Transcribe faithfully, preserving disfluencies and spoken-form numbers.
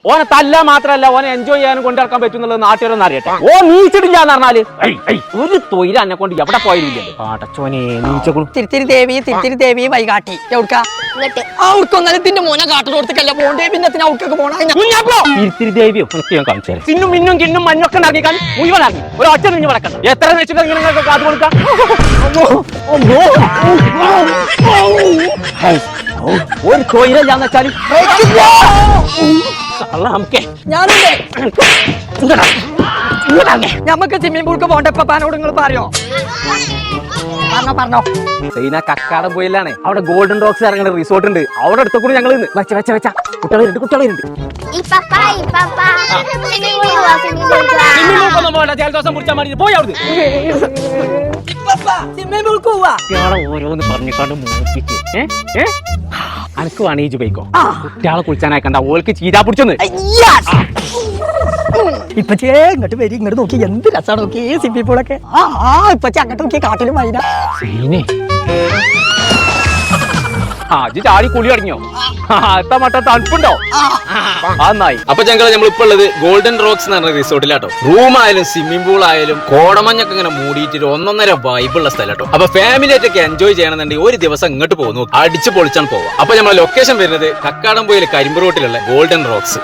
ഓനെ തല്ല മാത്രല്ല ഓനെ എൻജോയ് ചെയ്യാനും കൊണ്ടിറക്കാൻ പറ്റുന്നുള്ളത് നാട്ടുകാരൊന്നും അറിയട്ടെ. ഓ നീച്ചിട്ടില്ലാന്ന് പറഞ്ഞാല് ഒരു തൊയില എന്നെ കൊണ്ട് എവിടെ പോയില്ലല്ലോ. പാട്ടച്ചോനെ നീച്ചകളും. തിരുത്തിരി ദേവി തിരുത്തിരി ദേവി വൈകാട്ടി എവിടുക്കാ ഔർക്കൊന്നലത്തിന്റെ മോനെ കാട്ടിലോടത്തേക്കല്ല പോണ്ടേ. പിന്നെ ഔർക്കൊക്കെ പോണ തിരുത്തിരി ദേവിയോ ഞാൻ കാണിച്ചു തരാം. ചിന്നും മിന്നും കിന്നും മഞ്ഞൊക്കെ ഇറങ്ങിക്കാൻ മുഴുവൻ ഇറങ്ങി ഒരു ഒറ്റ നിഞ്ഞ് വടക്കണ്ട. എത്ര വെച്ചിട്ട് നിങ്ങൾക്ക് കാതു കൊടുക്കാം. ഒരു തൊയിലാന്ന് വെച്ചാല് ഞമ്മക്ക് സ്വിമ്മിംഗ് പൂൾക്ക് പോണ്ട പപ്പാനോട് നിങ്ങൾ പറയോ? പറഞ്ഞോ പറഞ്ഞോ. സൈന കക്കാടം പോയില്ലാണ്. അവിടെ ഗോൾഡൻ റോക്സ് ഇറങ്ങുന്ന റിസോർട്ട് ഉണ്ട്. അവിടെ അടുത്ത കൂടി ഞങ്ങൾ വെച്ച വെച്ച വെച്ച കുട്ടികളുണ്ട് കുട്ടികളുണ്ട്. ജലദോഷം കുടിച്ചാൽ മതി. പോയി അവിടെ ഓരോന്ന് പറഞ്ഞിക്കാണ്ട് മൂപ്പിക്ക്. അനക്ക് വേണീജ് പോയിക്കോ. കുട്ടികളെ കുളിച്ചാനായിക്കണ്ട. ഓൾക്ക് ചീരാ പിടിച്ചൊന്ന് ഇപ്പച്ചേ ഇങ്ങോട്ട് വരി. ഇങ്ങോട്ട് നോക്കി എന്ത് രസമാണ് നോക്കി സ്വിമ്മിംഗ് പൂളൊക്കെ. ആ ആ ഇപ്പച്ചേ അങ്ങോട്ട് നോക്കി കാട്ടിലും വൈന. ആ ചാടി കുളി തുടങ്ങിയോ? എത്ര മട്ട തണുപ്പുണ്ടോ? നന്നായി. അപ്പൊ ഞങ്ങൾ നമ്മളിപ്പോ ഉള്ളത് ഗോൾഡൻ റോക്സ് എന്ന് പറഞ്ഞ റിസോർട്ടിലാട്ടോ. റൂം ആയാലും സ്വിമ്മിംഗ് പൂൾ ആയാലും കോടമഞ്ഞൊക്കെ ഇങ്ങനെ മൂടിയിട്ട് ഒന്നൊന്നര വൈബുള്ള സ്ഥലട്ടോ. അപ്പൊ ഫാമിലി ആയിട്ടൊക്കെ എൻജോയ് ചെയ്യണമെന്നുണ്ടെങ്കിൽ ഒരു ദിവസം ഇങ്ങോട്ട് പോകുന്നു അടിച്ചു പൊളിച്ചാണ് പോവാം. അപ്പൊ നമ്മളെ ലൊക്കേഷൻ വരുന്നത് കക്കാടംപൊയിൽ കരിമ്പ് റോട്ടിലുള്ള ഗോൾഡൻ റോക്സ്.